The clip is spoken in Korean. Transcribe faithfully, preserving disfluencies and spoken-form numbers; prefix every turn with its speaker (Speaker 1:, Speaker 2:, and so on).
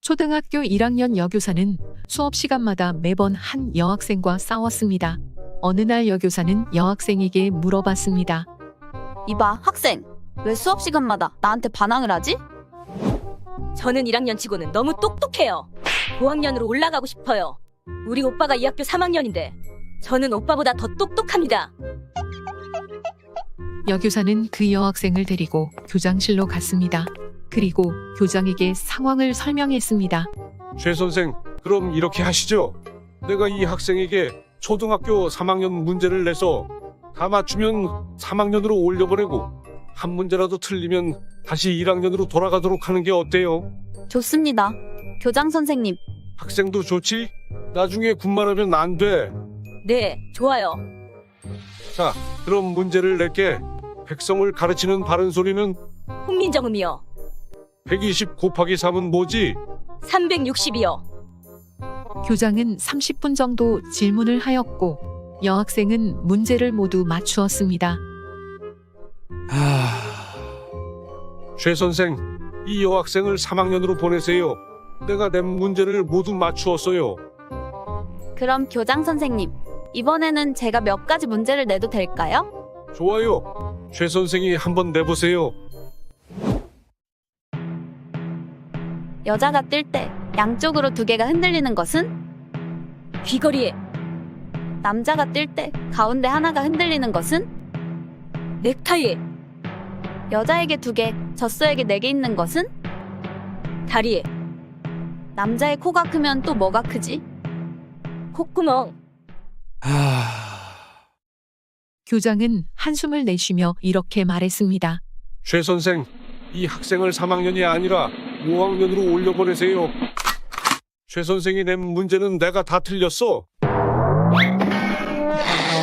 Speaker 1: 초등학교 일 학년 여교사는 수업 시간마다 매번 한 여학생과 싸웠습니다. 어느 날 여교사는 여학생에게 물어봤습니다.
Speaker 2: 이봐, 학생. 왜 수업 시간마다 나한테 반항을 하지?
Speaker 3: 저는 일 학년 치고는 너무 똑똑해요. 오 학년으로 올라가고 싶어요. 우리 오빠가 이 학교 삼 학년인데 저는 오빠보다 더 똑똑합니다.
Speaker 1: 여교사는 그 여학생을 데리고 교장실로 갔습니다. 그리고 교장에게 상황을 설명했습니다.
Speaker 4: 최 선생, 그럼 이렇게 하시죠. 내가 이 학생에게 초등학교 삼 학년 문제를 내서 다 맞추면 삼 학년으로 올려보내고 한 문제라도 틀리면 다시 일 학년으로 돌아가도록 하는 게 어때요?
Speaker 2: 좋습니다. 교장 선생님.
Speaker 4: 학생도 좋지? 나중에 군말하면 안 돼.
Speaker 3: 네, 좋아요.
Speaker 4: 자, 그럼 문제를 낼게. 백성을 가르치는 바른 소리는
Speaker 3: 훈민정음이요.
Speaker 4: 백이십 곱하기 삼은 뭐지?
Speaker 3: 삼백육십이요.
Speaker 1: 교장은 삼십 분 정도 질문을 하였고 여학생은 문제를 모두 맞추었습니다.
Speaker 4: 최 선생, 이 여학생을 삼 학년으로 보내세요. 내가 낸 문제를 모두 맞추었어요.
Speaker 2: 그럼 교장 선생님, 이번에는 제가 몇 가지 문제를 내도 될까요?
Speaker 4: 좋아요. 최 선생이 한번 내보세요.
Speaker 2: 여자가 뛸 때 양쪽으로 두 개가 흔들리는 것은?
Speaker 3: 귀걸이에
Speaker 2: 남자가 뛸 때 가운데 하나가 흔들리는 것은?
Speaker 3: 넥타이에
Speaker 2: 여자에게 두 개, 젖소에게 네 개 있는 것은?
Speaker 3: 다리에
Speaker 2: 남자의 코가 크면 또 뭐가 크지?
Speaker 3: 콧구멍.
Speaker 1: 교장은 한숨을 내쉬며 이렇게 말했습니다.
Speaker 4: 최 선생, 이 학생을 삼 학년이 아니라 오 학년으로 올려보내세요. 최 선생이 낸 문제는 내가 다 틀렸어.